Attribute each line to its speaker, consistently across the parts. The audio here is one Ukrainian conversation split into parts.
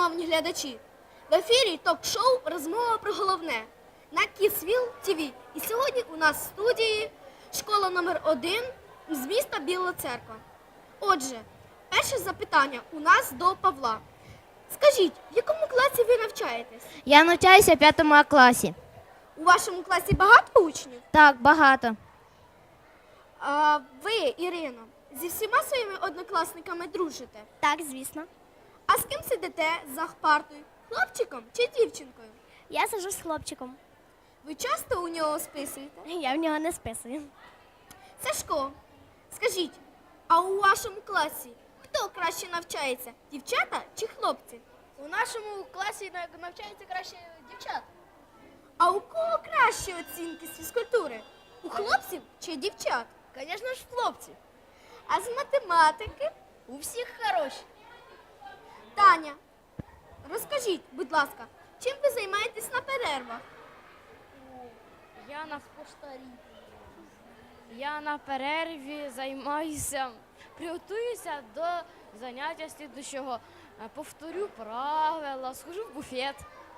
Speaker 1: шановні глядачі! В ефірі ток-шоу «Розмова про головне» на Kidsville TV. І сьогодні у нас в студії школа номер 1 з міста Біла Церква. Отже, перше запитання у нас до Павла. Скажіть, в якому класі ви навчаєтесь?
Speaker 2: Я навчаюся в 5 класі.
Speaker 1: У вашому класі багато учнів?
Speaker 2: Так, багато.
Speaker 1: А ви, Ірино, зі всіма своїми однокласниками дружите?
Speaker 2: Так, звісно.
Speaker 1: А з ким сидите за партою? Хлопчиком чи дівчинкою?
Speaker 2: Я сиджу з хлопчиком.
Speaker 1: Ви часто у нього списуєте?
Speaker 2: Я в нього не списую.
Speaker 1: Сашко, скажіть, а у вашому класі хто краще навчається? Дівчата чи хлопці?
Speaker 3: У нашому класі навчаються краще дівчата.
Speaker 1: А у кого кращі оцінки з фізкультури? У хлопців чи дівчат?
Speaker 3: Звісно ж, хлопці.
Speaker 1: А з математики?
Speaker 3: У всіх хороші.
Speaker 1: Таня, розкажіть, будь ласка, чим ви займаєтесь на перервах?
Speaker 4: Я на поштарі. Я на перерві займаюся, приготуюся до заняття слідущого. Повторю правила, схожу в буфет.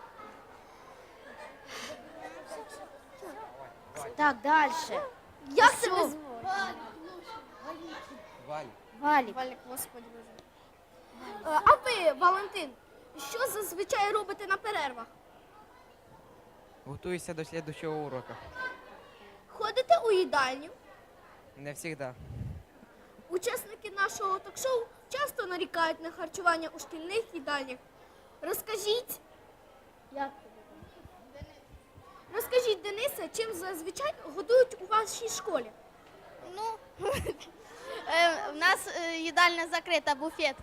Speaker 2: Так, далі.
Speaker 1: Як тебе звуть?
Speaker 2: Валік.
Speaker 1: Валік, Господи Боже. А ви, Валентин, що зазвичай робите на перервах?
Speaker 5: Готуюся до слідчого уроку.
Speaker 1: Ходите у їдальню?
Speaker 5: Не завжди.
Speaker 1: Учасники нашого ток-шоу часто нарікають на харчування у шкільних їдальнях. Розкажіть, Денисе, чим зазвичай годують у вашій школі?
Speaker 3: Ну, у нас їдальня закрита, буфет.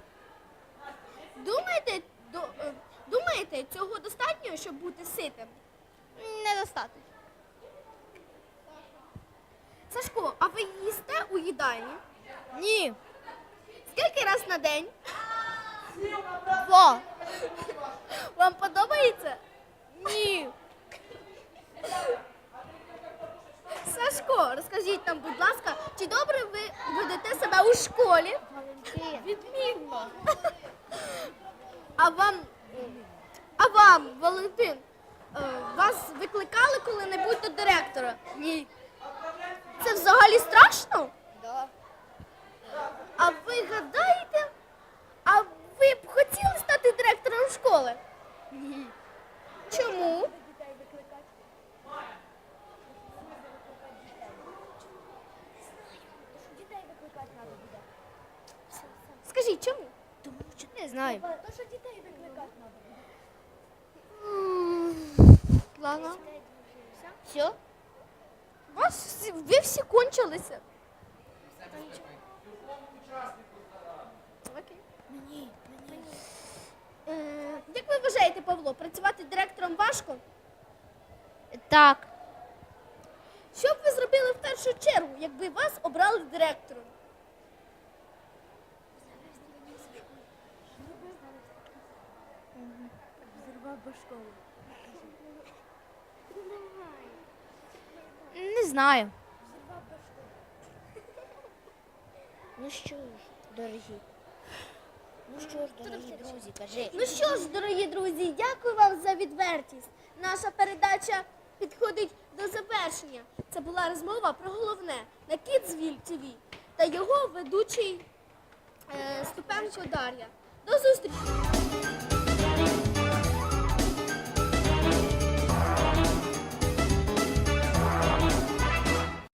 Speaker 1: Думаєте, цього достатньо, щоб бути ситим?
Speaker 3: Недостатньо.
Speaker 1: Сашко, а ви їсте у їдальні?
Speaker 3: Ні.
Speaker 1: Скільки раз на день?
Speaker 3: 2.
Speaker 1: Вам подобається?
Speaker 3: Ні.
Speaker 1: Сашко, розкажіть нам, будь ласка, чи добре ви ведете себе у школі?
Speaker 3: Відмінно.
Speaker 1: А вам, Валентин, вас викликали коли-небудь до директора?
Speaker 3: Ні.
Speaker 1: Це взагалі страшно?
Speaker 3: Да.
Speaker 1: А ви гадаєте, а ви б хотіли стати директором школи?
Speaker 3: Ні.
Speaker 1: Чому? Скажіть, чому?
Speaker 2: Не знаю.
Speaker 1: Ладно.
Speaker 2: Все?
Speaker 1: Ви всі кончилися. Окей. Як ви вважаєте, Павло, працювати директором важко?
Speaker 2: Так.
Speaker 1: Що б ви зробили в першу чергу, якби вас обрали директором?
Speaker 2: Не знаю. Ну що ж, дорогі. Друзі, кажи.
Speaker 1: Ну що ж, дорогі друзі, дякую вам за відвертість. Наша передача підходить до завершення. Це була розмова про головне на Kidsville TV та його ведучий Ступенко Дар'я. До зустрічі!